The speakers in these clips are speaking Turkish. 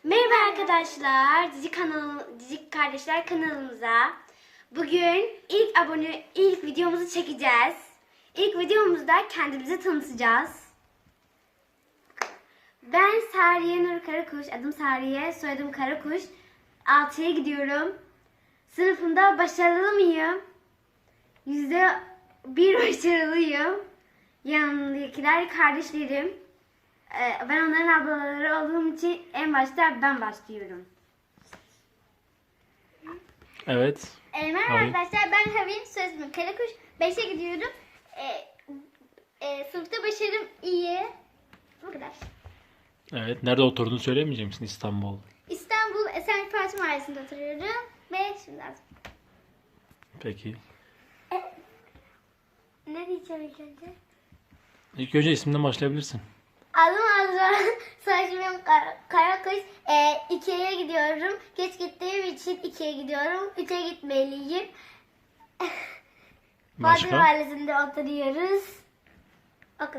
Merhaba arkadaşlar, Cici Kardeşler kanalımıza. Bugün ilk videomuzu çekeceğiz. İlk videomuzda kendimizi tanıtacağız. Ben Sariye Nur Karakuş, adım Sariye, soyadım Karakuş. 6'ya gidiyorum. Sınıfımda başarılı mıyım? %1 başarılıyım. Yanındakiler kardeşlerim. Ben onların ablaları olduğum için en başta ben başlıyorum. Evet. Merhaba arkadaşlar, ben Havin, soyadım Karakuş. 5'e gidiyorum. Sınıfta başarım iyi. Bu kadar. Evet. Nerede oturduğunu söyleyemeyecek misin? İstanbul. İstanbul Esenlik Fatih Mahallesi'nde oturuyorum. Ve şimdi lazım. Peki. Ne diyeceğim ilk önce? İlk önce isminden başlayabilirsin. Adım Azra. Soyadım Karakuş. 2'ye gidiyorum. Geç gittiğim için 2'ye gidiyorum. 3'e gitmeliyim. Fatih Başka? Mahallesi'nde oturuyoruz. O kadar.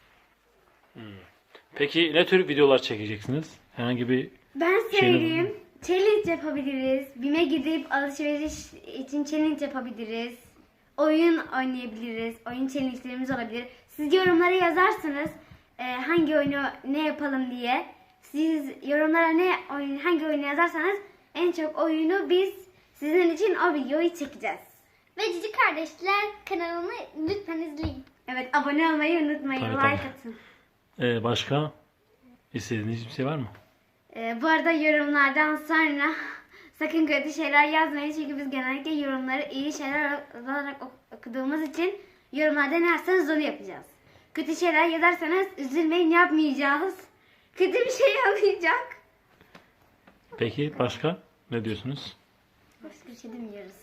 Peki ne tür videolar çekeceksiniz? Herhangi bir Ben Şey söyleyeyim. Challenge yapabiliriz. BİM'e gidip alışveriş için challenge yapabiliriz. Oyun oynayabiliriz. Oyun challenge'lerimiz olabilir. Siz yorumlara yazarsınız hangi oyunu ne yapalım diye. Siz yorumlara hangi oyunu yazarsanız en çok oyunu biz sizin için o videoyu çekeceğiz. Ve Cici Kardeşler kanalını lütfen izleyin. Evet, abone olmayı unutmayın. Tabii, Like tabii. atın. Başka istediğiniz bir şey var mı? Bu arada yorumlardan sonra sakın kötü şeyler yazmayın. Çünkü biz genellikle yorumları iyi şeyler olarak okuduğumuz için yorumlarda ne yazsanız onu yapacağız. Kötü şeyler yazarsanız üzülmeyin, yapmayacağız. Kötü bir şey olmayacak. Peki başka ne diyorsunuz? Başka bir şey demiyoruz.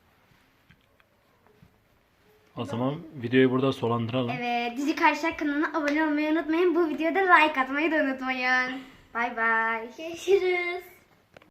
O zaman videoyu burada sonlandıralım. Evet, Cici Kardeşler kanalına abone olmayı unutmayın. Bu videoda like atmayı da unutmayın. Bay bay. Görüşürüz.